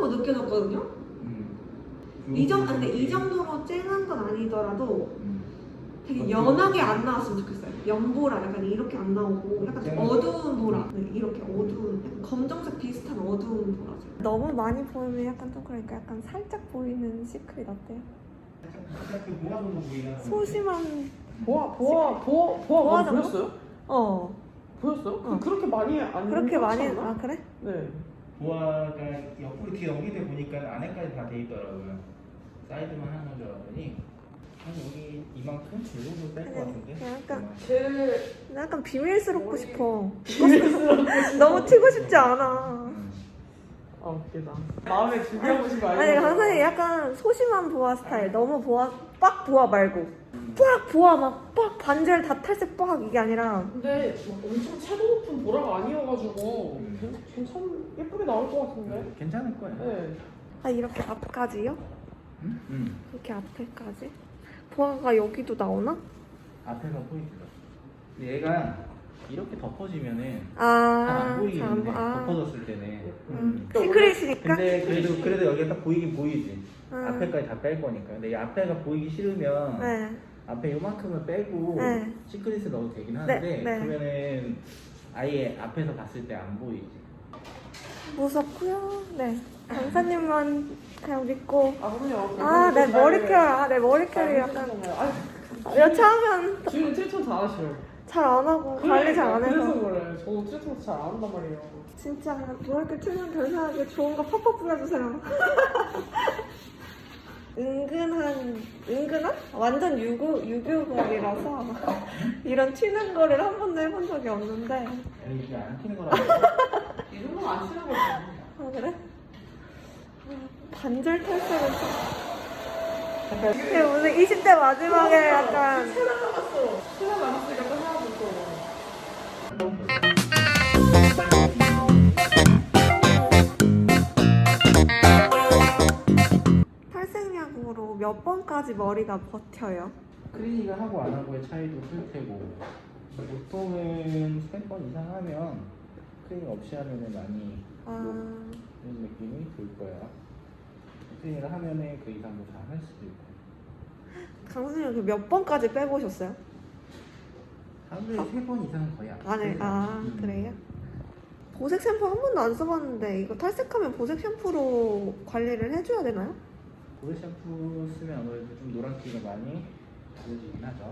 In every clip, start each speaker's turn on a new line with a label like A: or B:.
A: 더 느껴졌거든요. 근데 이 정도로 쨍한 건 아니더라도 되게 연하게 안 나왔으면 좋겠어요. 연보라 약간 이렇게 안 나오고 약간 좀 어두운 보라. 네, 이렇게 어두운 약간 검정색 비슷한 어두운 보라색. 너무 많이 보이면 약간 좀 그러니까 약간 살짝 보이는 시크릿 어때요? 소심한
B: 보아 보였어요? 보였어요? 그렇게 많이 안
A: 그렇게 많이
B: 않나?
A: 그래?
B: 네.
C: 보아가 옆으로 뒤에 연기돼 보니까 안에까지 다 돼 있더라고요. 사이드만 하는 줄 알았더니 한 여기 이만큼? 이 정도 뺄 것 같은데?
A: 약간 비밀스럽고 싶어. 너무 튀고 싶지 않아.
B: 아 웃기다. 마음에 들게 하고 싶은 거
A: 아니
B: 아니에요?
A: 강사님 약간 소심한 보아 스타일. 너무 빡 보아 말고 빡 보아 막 반절 다 탈색 빡 이게 아니라.
B: 근데 막 엄청 채도 높은 보라가 아니어가지고 괜찮 예쁘게 나올 것 같은데?
C: 괜찮을 거예요.
B: 네.
A: 아 이렇게 앞까지요? 이렇게 앞에까지? 보아가 여기도 나오나?
C: 앞에가 포인트가. 근데 얘가 이렇게 덮어지면은 잘
A: 아,
C: 안 보이는데
A: 아.
C: 덮어졌을 때는.
A: 시크릿이니까?
C: 근데 그래도 여기가 딱 보이긴 보이지.
A: 음.
C: 앞에까지 다 뺄 거니까. 근데 이 앞에가 보이기 싫으면
A: 네.
C: 앞에 요만큼을 빼고
A: 네.
C: 시크릿을 넣어도 되긴 하는데
A: 네.
C: 그러면은 아예 앞에서 봤을 때 안 보이지.
A: 무섭고요. 네. 강사님만 그냥 믿고.
B: 그럼요.
A: 내 머리결. 내 머리결이 약간 여차하면
B: 지금 트리트먼트 잘하시죠?
A: 잘 안 하고 관리 잘 안
B: 그래서
A: 해서.
B: 그래. 저도 트리트먼트 잘 안 한단 말이에요.
A: 진짜 머리결 틀면 별사하게 좋은 거 팍팍 뿌려주세요. 은근한? 완전 유교걸이라서 이런 튀는 거를 한 번도 해본 적이 없는데.
C: 아니 이게 안 튀는 거라고.
B: 이 정도는 안 치는 거죠.
A: 아 그래? 반절 탈색은 약간 이게 무슨 20대 마지막에 약간
B: 세달 남았으니까 또 해야 될 거.
A: 탈색약으로 몇 번까지 머리가 버텨요?
C: 클리닉을 하고 안 하고의 차이도 클 테고 보통은 3번 이상 하면 클리닉 없이 하면은 많이 이런 느낌이 들 거야. 클리닉을 하면은 그 이상도 다 할 수도 있고.
A: 강수님 몇 번까지 빼보셨어요?
C: 하루에 3번 이상은 거의 안
A: 네.
C: 빼요.
A: 그래요? 보색 샴푸 한 번도 안 써봤는데 이거 탈색하면 보색 샴푸로 관리를 해줘야 되나요?
C: 보색 샴푸 쓰면 아무래도 좀 노란기가 많이 보여지긴 하죠.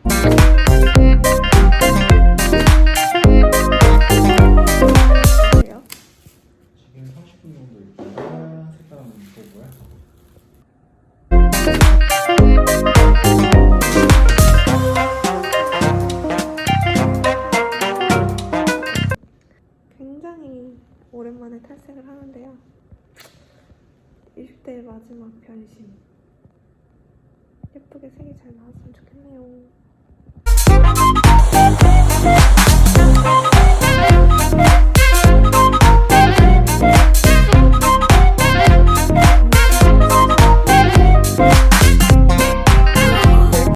A: 그래요?
C: 지금 30분 정도 있다가 색깔 한번 볼까요?
A: 굉장히 오랜만에 탈색을 하는데요. 20대의 마지막 변신. 예쁘게 색이 잘 나왔으면 좋겠네요.